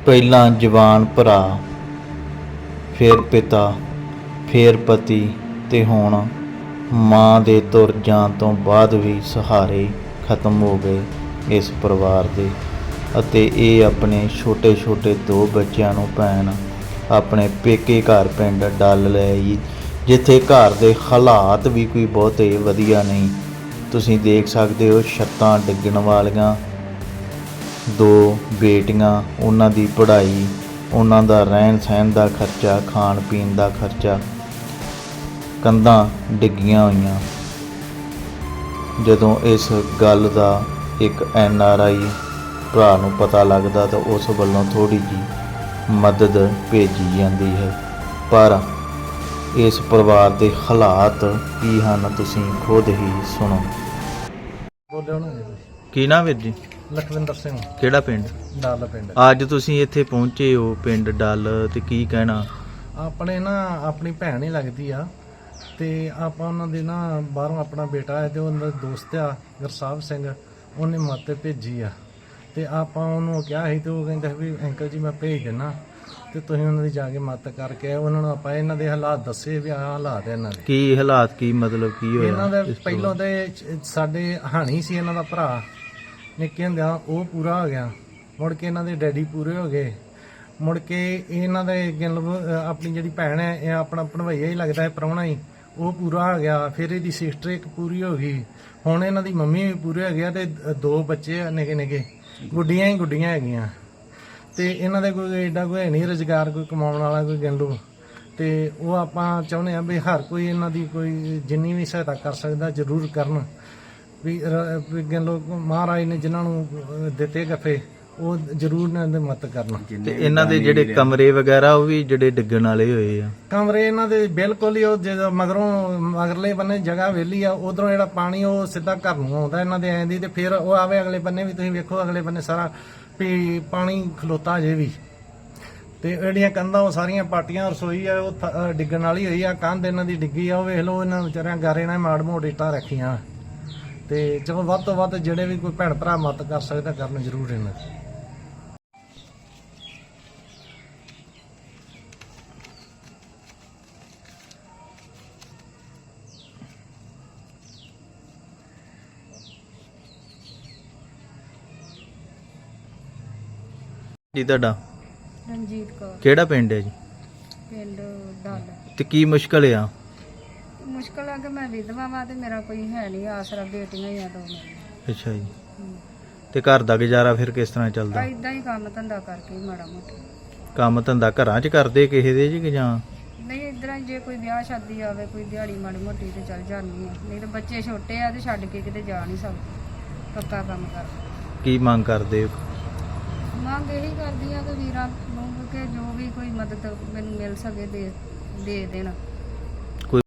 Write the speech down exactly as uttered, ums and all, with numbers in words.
ਪਹਿਲਾਂ ਜਵਾਨ ਭਰਾ, ਫਿਰ ਪਿਤਾ, ਫਿਰ ਪਤੀ ਤੇ ਹੁਣ ਮਾਂ ਦੇ ਤੁਰ ਜਾਣ ਤੋਂ ਬਾਅਦ ਵੀ ਸਹਾਰੇ ਖਤਮ ਹੋ ਗਏ ਇਸ ਪਰਿਵਾਰ ਦੇ। ਅਤੇ ਇਹ ਆਪਣੇ ਛੋਟੇ ਛੋਟੇ ਦੋ ਬੱਚਿਆਂ ਨੂੰ ਭੈਣ ਆਪਣੇ ਪੇਕੇ ਘਰ ਪਿੰਡ ਡੱਲ ਲੈ ਆਈ, ਜਿੱਥੇ ਘਰ ਦੇ ਹਾਲਾਤ ਵੀ ਕੋਈ ਬਹੁਤੇ ਵਧੀਆ ਨਹੀਂ। ਤੁਸੀਂ ਦੇਖ ਸਕਦੇ ਹੋ ਛੱਤਾਂ ਡਿੱਗਣ ਵਾਲੀਆਂ, ਦੋ ਬੇਟੀਆਂ, ਉਹਨਾਂ ਦੀ ਪੜ੍ਹਾਈ, ਉਹਨਾਂ ਦਾ ਰਹਿਣ ਸਹਿਣ ਦਾ ਖਰਚਾ, ਖਾਣ ਪੀਣ ਦਾ ਖਰਚਾ, ਕੰਧਾਂ ਡਿੱਗੀਆਂ ਹੋਈਆਂ। ਜਦੋਂ ਇਸ ਗੱਲ ਦਾ ਇੱਕ ਐਨ ਆਰ ਆਈ ਭਰਾ ਨੂੰ ਪਤਾ ਲੱਗਦਾ ਤਾਂ ਉਸ ਵੱਲੋਂ ਥੋੜ੍ਹੀ ਜਿਹੀ ਮਦਦ ਭੇਜੀ ਜਾਂਦੀ ਹੈ, ਪਰ ਇਸ ਪਰਿਵਾਰ ਦੇ ਹਾਲਾਤ ਕੀ ਹਨ ਤੁਸੀਂ ਖੁਦ ਹੀ ਸੁਣੋ। ਬੋਲਿਓ ਨਾ ਕੀ ਨਾਮ ਵੀਰ ਜੀ? ਲਖਵਿੰਦਰ ਸਿੰਘ, ਕਿਹੜਾ ਪਿੰਡ? ਡੱਲ ਪਿੰਡ। ਅੱਜ ਤੁਸੀਂ ਇੱਥੇ ਪਹੁੰਚੇ ਹੋ ਪਿੰਡ ਡੱਲ, ਤੇ ਕੀ ਕਹਿਣਾ? ਆਪਣੇ ਨਾ ਆਪਣੀ ਭੈਣ ਹੀ ਲੱਗਦੀ ਆ, ਤੇ ਆਪਾਂ ਉਹਨਾਂ ਦੇ ਨਾ ਬਾਹਰੋਂ ਆਪਣਾ ਬੇਟਾ ਹੈ ਤੇ ਉਹਨਾਂ ਦਾ ਦੋਸਤ ਆ ਗੁਰਸਾਹਿਬ ਸਿੰਘ, ਉਹਨੇ ਮਦਦ ਭੇਜੀ ਆ। ਤੇ ਆਪਾਂ ਉਹਨੂੰ ਕਿਹਾ ਸੀ ਤੇ ਉਹ ਕਹਿੰਦਾ ਵੀ ਅੰਕਲ ਜੀ ਮੈਂ ਭੇਜ ਦਿੰਦਾ, ਤੇ ਤੁਸੀਂ ਉਹਨਾਂ ਦੀ ਜਾ ਕੇ ਮਦਦ ਕਰਕੇ ਉਹਨਾਂ ਨੂੰ ਆਪਾਂ ਇਹਨਾਂ ਦੇ ਹਾਲਾਤ ਦੱਸੇ ਵੀ ਆਹ ਹਾਲਾਤ ਹੈ ਇਹਨਾਂ ਦੇ। ਕੀ ਹਾਲਾਤ, ਕੀ ਮਤਲਬ ਕੀ ਹੋਇਆ? ਇਹਨਾਂ ਦੇ ਪਹਿਲੋਂ ਤੇ ਸਾਡੇ ਹਾਣੀ ਸੀ ਇਹਨਾਂ ਦਾ ਭਰਾ, ਨਿੱਕੇ ਹੁੰਦਿਆਂ ਉਹ ਪੂਰਾ ਹੋ ਗਿਆ, ਮੁੜ ਕੇ ਇਹਨਾਂ ਦੇ ਡੈਡੀ ਪੂਰੇ ਹੋ ਗਏ, ਮੁੜ ਕੇ ਇਹਨਾਂ ਦੇ ਆਪਣੀ ਜਿਹੜੀ ਭੈਣ ਹੈ ਇਹ ਆਪਣਾ ਭਣਵਈਆ ਹੀ ਲੱਗਦਾ ਹੈ, ਪ੍ਰਾਹੁਣਾ ਹੀ, ਉਹ ਪੂਰਾ ਹੋ ਗਿਆ। ਫਿਰ ਇਹਦੀ ਸਿਸਟਰ ਇੱਕ ਪੂਰੀ ਹੋ ਗਈ, ਹੁਣ ਇਹਨਾਂ ਦੀ ਮੰਮੀ ਵੀ ਪੂਰੇ ਹੋ ਗਿਆ, ਤੇ ਦੋ ਬੱਚੇ ਨਿੱਕੇ ਨਿੱਕੇ, ਗੁੱਡੀਆਂ ਹੀ ਗੁੱਡੀਆਂ ਹੈਗੀਆਂ। ਤੇ ਇਹਨਾਂ ਦੇ ਕੋਈ ਏਡਾ ਕੋਈ ਹੈ ਨਹੀਂ ਰੁਜ਼ਗਾਰ, ਕੋਈ ਕਮਾਉਣ ਵਾਲਾ ਕੋਈ ਗੰਡੂ। ਤੇ ਉਹ ਆਪਾਂ ਚਾਹੁੰਦੇ ਹਾਂ ਵੀ ਹਰ ਕੋਈ ਇਹਨਾਂ ਦੀ ਕੋਈ ਜਿੰਨੀ ਵੀ ਸਹਾਇਤਾ ਕਰ ਸਕਦਾ ਜ਼ਰੂਰ ਕਰਨ, ਵੀ ਲੋਕ ਮਹਾਰਾਜ ਨੇ ਜਿਨ੍ਹਾਂ ਨੂੰ ਦਿੱਤੇ ਗੱਫੇ ਉਹ ਜ਼ਰੂਰ ਇਹਨਾਂ ਦੀ ਮਦਦ ਕਰਨ। ਤੇ ਇਹਨਾਂ ਦੇ ਜਿਹੜੇ ਕਮਰੇ ਵਗੈਰਾ ਉਹ ਵੀ ਜਿਹੜੇ ਡਿੱਗਣ ਵਾਲੇ ਹੋਏ ਆ? ਕਮਰੇ ਇਹਨਾਂ ਦੇ ਬਿਲਕੁਲ ਹੀ ਉਹ ਜਦੋਂ ਮਗਰੋਂ ਮਗਰਲੇ ਬੰਨੇ ਜਗ੍ਹਾ ਵਿਹਲੀ ਆ, ਉਧਰੋਂ ਜਿਹੜਾ ਪਾਣੀ ਉਹ ਸਿੱਧਾ ਘਰ ਨੂੰ ਆਉਂਦਾ ਇਹਨਾਂ ਦੇ ਐਂ ਦੀ, ਤੇ ਫਿਰ ਉਹ ਆਵੇ ਅਗਲੇ ਬੰਨੇ ਵੀ ਤੁਸੀਂ ਵੇਖੋ, ਅਗਲੇ ਬੰਨੇ ਸਾਰਾ ਵੀ ਪਾਣੀ ਖਲੋਤਾ ਜੇ ਵੀ। ਤੇ ਜਿਹੜੀਆਂ ਕੰਧਾਂ ਉਹ ਸਾਰੀਆਂ ਪਾਟੀਆਂ, ਰਸੋਈ ਆ ਉਹ ਡਿੱਗਣ ਵਾਲੀ ਹੋਈ ਆ, ਕੰਧ ਇਹਨਾਂ ਦੀ ਡਿੱਗੀ ਆ, ਉਹ ਵੇਖ ਲਓ ਇਹਨਾਂ ਵਿਚਾਰਿਆਂ ਗਾਰੇ ਨਾਲ ਮਾੜ ਮੋੜ ਇੱਟਾਂ ਰੱਖੀਆਂ। ਤੇ ਚਲੋ ਵੱਧ ਤੋਂ ਵੱਧ ਜਿਹੜੇ ਵੀ ਕੋਈ ਭੈਣ ਭਰਾ ਮਦਦ ਕਰ ਸਕਦਾ ਕਰਨ ਜ਼ਰੂਰ ਇਹਨਾਂ ਦੀ। ਜੀ ਤੁਹਾਡਾ? ਰਣਜੀਤ ਕੌਰ। ਕਿਹੜਾ ਪਿੰਡ ਹੈ ਜੀ? ਪਿੰਡ ਡੱਲ। ਤੇ ਕੀ ਮੁਸ਼ਕਲ ਆ? ਮੁਸ਼ਕਲ ਆ ਕਿ ਮੈਂ ਵਿਧਵਾ ਵਾਂ ਤੇ ਮੇਰਾ ਕੋਈ ਹੈ ਨਹੀਂ ਆਸਰਾ, ਬੇਟੀਆਂ ਹੀ ਆ ਦੋ ਮੇਰੀਆਂ। ਅੱਛਾ ਜੀ। ਤੇ ਘਰ ਦਾ ਗੁਜ਼ਾਰਾ ਫਿਰ ਕਿਸ ਤਰ੍ਹਾਂ ਚੱਲਦਾ? ਇਦਾਂ ਹੀ ਕੰਮ ਧੰਦਾ ਕਰਕੇ ਹੀ ਮਾੜਾ ਮੋਟਾ। ਕੰਮ ਧੰਦਾ ਘਰਾਂ 'ਚ ਕਰਦੇ ਕਿਸੇ ਦੇ ਜੀ ਕਿ ਜਾਂ? ਨਹੀਂ ਇਧਰਾਂ ਜੇ ਕੋਈ ਵਿਆਹ ਸ਼ਾਦੀ ਆਵੇ, ਕੋਈ ਦਿਹਾੜੀ ਮਾੜੀ ਮੋਟੀ ਤੇ ਚੱਲ ਜਾਂਦੀ ਆ, ਨਹੀਂ ਤਾਂ ਬੱਚੇ ਛੋਟੇ ਆ ਤੇ ਛੱਡ ਕੇ ਕਿਤੇ ਜਾ ਨਹੀਂ ਸਕਦੇ, ਪੱਕਾ ਕੰਮ ਕਰ। ਕੀ ਮੰਗ ਕਰਦੇ ਹੋ? ਮੰਗ ਇਹੀ ਕਰਦੀ ਆ ਕਿ ਵੀਰਾਂ ਨੂੰ ਕਿ ਜੋ ਵੀ ਕੋਈ ਮਦਦ ਮੈਨੂੰ ਮਿਲ ਸਕੇ ਦੇ ਦੇ ਦੇਣ।